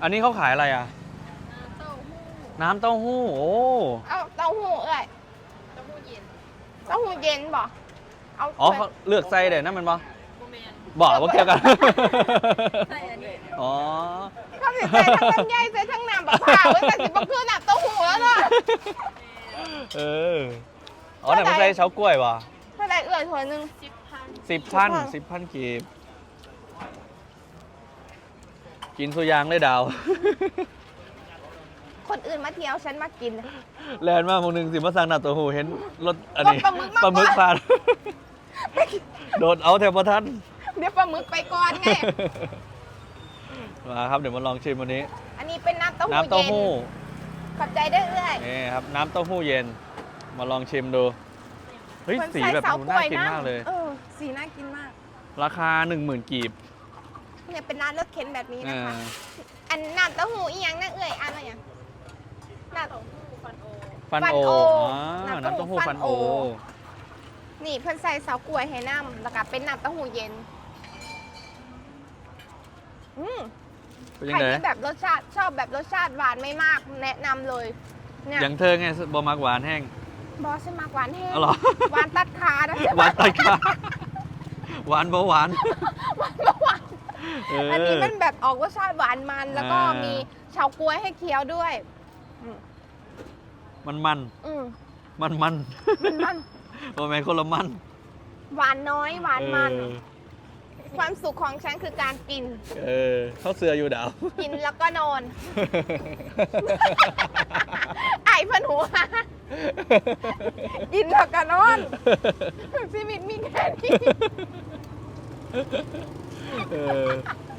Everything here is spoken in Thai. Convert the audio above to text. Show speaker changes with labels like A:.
A: อันนี้เขาขายอะไรอ่ะ น้ำเต้าหู้โอ้
B: เอาเต้าหู้เอ้ยเต้าหู้เย็นบ่เอา
A: อ๋อเขาเลือกไส้เด็ดนั่นมันบ่บอกว่าเกี่ยวกันอ๋อ
B: เขาสิใส่ทั้งลำไยใส่ทั้งน้ำบักพร้าวไว้แต่สิบ่คือน้ำเต้าหู้แล้วเนาะ
A: เอออ๋อแต่มันใส่เฉากล้วยว่ะ
B: เท่าไหร่เอ้ยถ้วยหนึง
A: 10,000กีบกินสุยางได้ดาว
B: คนอื่นมาเที่ยวฉันมากิน
A: แลนด์มากคนหนึ่งสิมาสั่งหนาตัวหูเห็นรถอันนี้
B: ปลาหมึกมา
A: ปลาหมึก
B: ก่อน
A: ผ่าน โดดเอาแถวประทัน
B: เดี๋ยวปลาหมึกไปก่อนไง
A: มาครับเดี๋ยวมาลองชิมวันนี้
B: อันนี้เป็นน้ำเต้าหู้
A: น้ำเต้า
B: เย็น
A: หู้
B: ขอบใจเด้อเอ้ย
A: นี่ครับน้ำเต้าหู้เย็น มาลองชิมดูเฮ้ย
B: คน
A: สี
B: ใส่
A: แบบ
B: เสา
A: ดู
B: ก
A: น่า
B: ล้วย
A: กิน
B: นะ
A: มากเลย
B: สีน่ากินมาก
A: ราคา 10,000 กีบ
B: เนี่ยเป็นร้านรถเข็นแบบนี้
A: อ่า
B: นะคะ อันน้ำเต้าหู้อีหยังนะเอ้ยอันอะไรอย่างน้ำ
A: ฟันโอ
B: ฟันโอ
A: น้ำ
B: น้ำ
A: เต้า
B: เต้าหู้
A: หู้
B: ฟั
A: ฟั
B: น
A: น
B: โอ
A: โอ
B: นี่เพิ่นใส่เสากล้วยให้น้ำแล้วก็เป็นน้ำเต้าหู้เย็นอืม
A: เป็น
B: ใค
A: ยั
B: รง
A: ไง
B: ที่แบบรสชาติชอบแบบรสชาติหวานไม่มาก แนะนำเลยเนี่ย
A: อย่างเธอไงบอมักหวานแห้ง
B: บอสมากหวานแห้ง
A: อ๋อเหรอ
B: หวานตัดขานะ
A: หวานไตกาหวานเบาหวาน
B: หวานก็หวาน
A: เออ
B: อันนี้มันแบบออกรสชาติหวานมันแล้วก็
A: อ่ามี
B: มีเฉาก๊วยให้เคี้ยวด้วย
A: มัน
B: อืม
A: มัน
B: มัน
A: โอ้แม่คนละมัน
B: หวานน้อยหวานมัน
A: เออ
B: ความสุขของฉันคือการกิน
A: เออเข้าเสืออยู่ดาว
B: กินแล้วก็นอน ไอ้เพันหัวกินแล้วก็นอนชีวิตมีแค่นี้
A: เออ